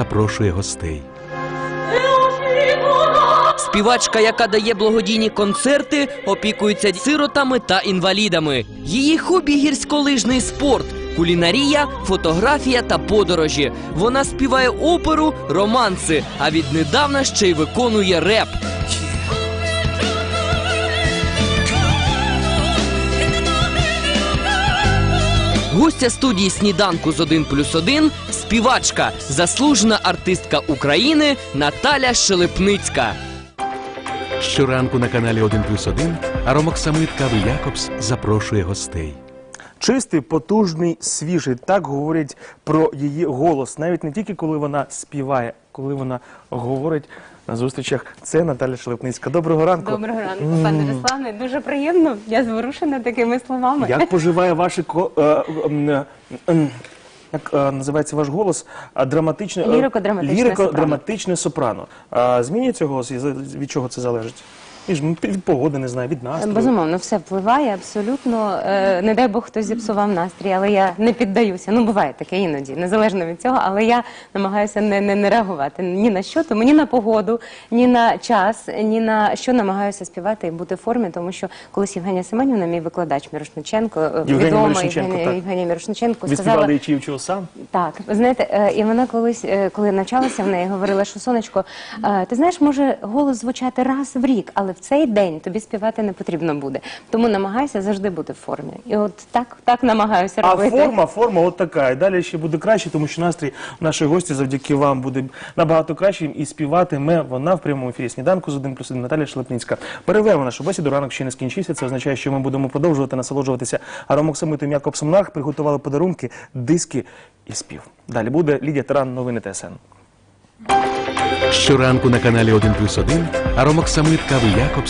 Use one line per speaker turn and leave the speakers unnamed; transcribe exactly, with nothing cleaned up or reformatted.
запрошує гостей.
Співачка, яка дає благодійні концерти, опікується сиротами та інвалідами. Її хобі – гірськолижний спорт, кулінарія, фотографія та подорожі. Вона співає оперу, романси, а віднедавна ще й виконує реп. Гостя студії «Сніданку з один плюс один» – співачка, заслужена артистка України Наталя Щелепницька.
Щоранку на каналі один плюс один аромоксамит кави Якобс запрошує гостей.
Чистий, потужний, свіжий. Так говорять про її голос. Навіть не тільки коли вона співає, коли вона говорить на зустрічах. Це Наталя Щелепницька. Доброго ранку.
Доброго ранку, пане Руслане. Дуже приємно. Я зворушена такими словами.
Як поживає ваше ко- е, е, е, е, як е, називається ваш голос? А, Драматичне, е,
Лірико-драматичне
лірико-драматичне сопрано. А, змінюється голос? І за- від чого це залежить? Від, від погоди, не знаю, від настрою.
Безумовно, все впливає абсолютно. Е, не дай Бог, хтось зіпсував настрій, але я не піддаюся. Ну, буває таке іноді, незалежно від цього, але я намагаюся не, не, не реагувати ні на що, тому ні на погоду, ні на час, ні на що намагаюся співати і бути в формі, тому що колись Євгенія Семенівна, мій викладач Мірошниченко, е,
Євгенія
відома
Мірошниченко,
Євгенія,
так.
Євгенія Мірошниченко,
Ви
сказала...
співали «Ічі вчив сам»?
Так, ви знаєте, е, і вона колись, е, коли навчалася в неї, говорила, що сонечко, е, ти знаєш, може голос звучати раз в рік, але в цей день тобі співати не потрібно буде. Тому намагайся завжди бути в формі. І от так, так намагаюся
А
робити.
форма, форма от така. І далі ще буде краще, тому що настрій нашої гості завдяки вам буде набагато кращим. І співатиме вона в прямому ефірі «Сніданку» з один плюс один Наталя Щелепницька. Перервемо нашу бесіду, ранок ще не скінчився. Це означає, що ми будемо продовжувати насолоджуватися аромоксамитом Якобсом Нарх. Приготували подарунки, диски і спів. Далі буде Лідія Таран, новини Т С Н.
Щоранку на каналі один плюс один аромоксамит кави Якобс